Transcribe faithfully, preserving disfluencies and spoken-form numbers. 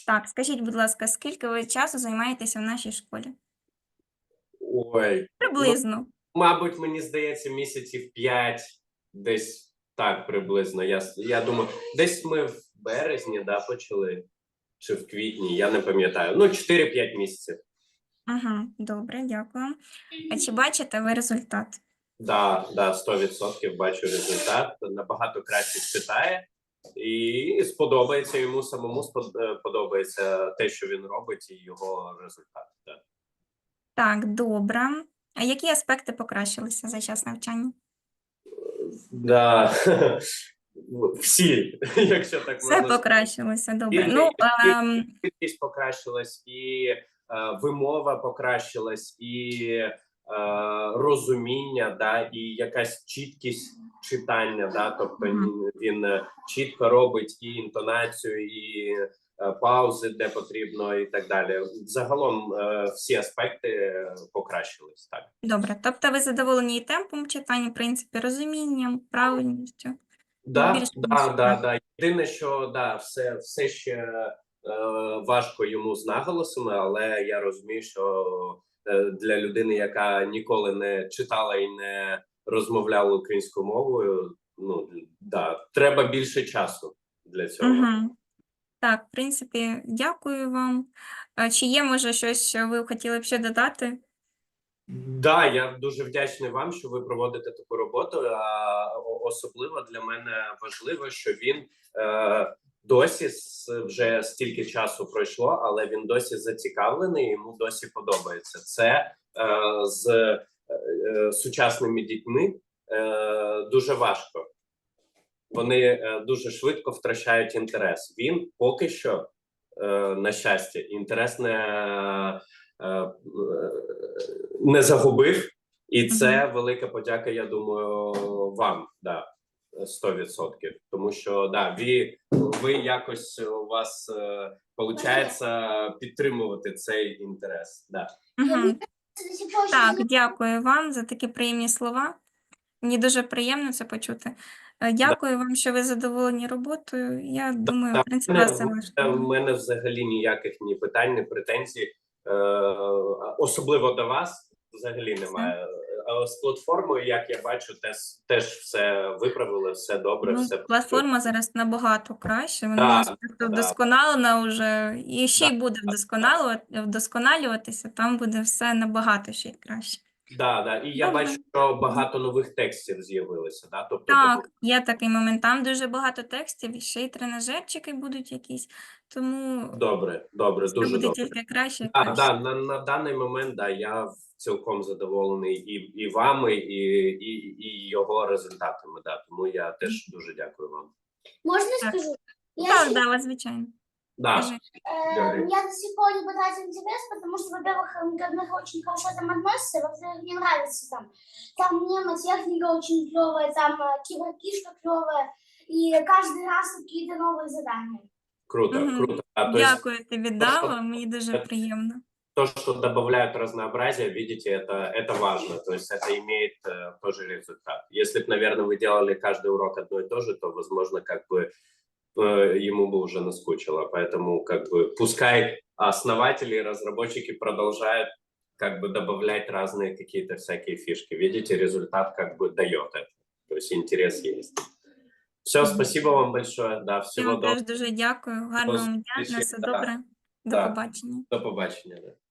Так, скажіть, будь ласка, скільки ви часу займаєтеся в нашій школі? Ой, ну, Приблизно. мабуть, мені здається, місяців п'ять, десь так приблизно. Я, с- я думаю, десь ми в березні, да, почали, чи в квітні, я не пам'ятаю. Ну, чотири-п'ять місяців. Ага, добре, дякую. А чи бачите ви результат? Да, да, сто відсотків бачу результат. Набагато краще читає. І сподобається йому самому спод- е, подобається те, що він робить, і його результат. Да. Так, добре. А які аспекти покращилися за час навчання? Да. Всі, якщо так Все можна сказати. покращилося, добре. І, Ну, і, ем, і швидкість покращилась, і е, вимова покращилась, і е, розуміння, да, і якась чіткість читання, да, тобто мгм. він, він е, чітко робить і інтонацію, і е, паузи, де потрібно, і так далі. Загалом е, всі аспекти е, покращились, так. Добре. Тобто ви задоволені і темпом читання, в принципі, розумінням, правильністю? Да, Більш-менш да, да, так. да. Єдине, що да, все, все ще е, важко йому з наголосами, але я розумію, що е, для людини, яка ніколи не читала і не розмовляла українською мовою, ну да, треба більше часу для цього. Угу. Так, в принципі, дякую вам. А чи є, може, щось, що ви хотіли б ще додати? Да, я дуже вдячний вам, що ви проводите таку роботу. А о- особливо для мене важливо, що він е, досі с- вже стільки часу пройшло, але він досі зацікавлений, йому досі подобається. Це е, з е, е, сучасними дітьми е, дуже важко. Вони е, дуже швидко втрачають інтерес. Він поки що, е, на щастя, інтерес не, е, е, не загубив, і Угу. це велика подяка, я думаю, вам, да, сто відсотків. Тому що да, ви, ви якось у вас е, получається підтримувати цей інтерес. Да. Угу. Так, дякую вам за такі приємні слова. Мені дуже приємно це почути. Е, Да. Дякую вам, що ви задоволені роботою. Я Да, думаю, в да. принципі, В мене, вас це в влаштовує. мене взагалі ніяких ні питань, ні претензій, е, особливо до вас, взагалі Все. немає. А з платформою, як я бачу, теж, теж все виправили, все добре, Ну, все працює. платформа зараз набагато краще. Вона у Да, нас просто да, вдосконалена вже і ще да, й буде вдосконалювати, вдосконалюватися. Там буде все набагато ще й краще. да, да. І я бачу, Добре. що багато нових текстів з'явилося, да? Тобто, добу- Так, є такий момент. Там дуже багато текстів, і ще й тренажерчики будуть якісь, тому добре, добре, все дуже буде добре. тільки краще і Да, краще. да, на, на даний момент да, я цілком задоволений і, і вами, і, і, і його результатами. Да. Тому я теж дуже дякую вам. Можно Так, скажу? Я, так, щи- да, звичайно. Да, Кажи. э, говори. я до сих пор не потратила интерес, потому что, во-первых, м, ко мне очень хорошо там относятся, во-вторых, мне нравится там. Там мнемотехника очень клевая, там э, киберкишка клевая, и каждый раз какие-то новые задания. Круто, Мгм. круто. А, то есть Дякую тобі, то, что, Дава, мені дуже приємно. то, что добавляют разнообразие, видите, это, это важно. То есть это имеет э, тоже результат. Если бы, наверное, вы делали каждый урок одно и то же, то, возможно, как бы э, ему бы уже наскучило. Поэтому, как бы, пускай основатели и разработчики продолжают как бы добавлять разные какие-то всякие фишки. Видите, результат как бы дает это. То есть интерес есть. Все, Мгм. спасибо вам большое. Да, Я всего вам доброго. теж дуже дякую. Гарного вам дня, на Зустрічі. все Да, добре. До да. побачення. До побачення. Да.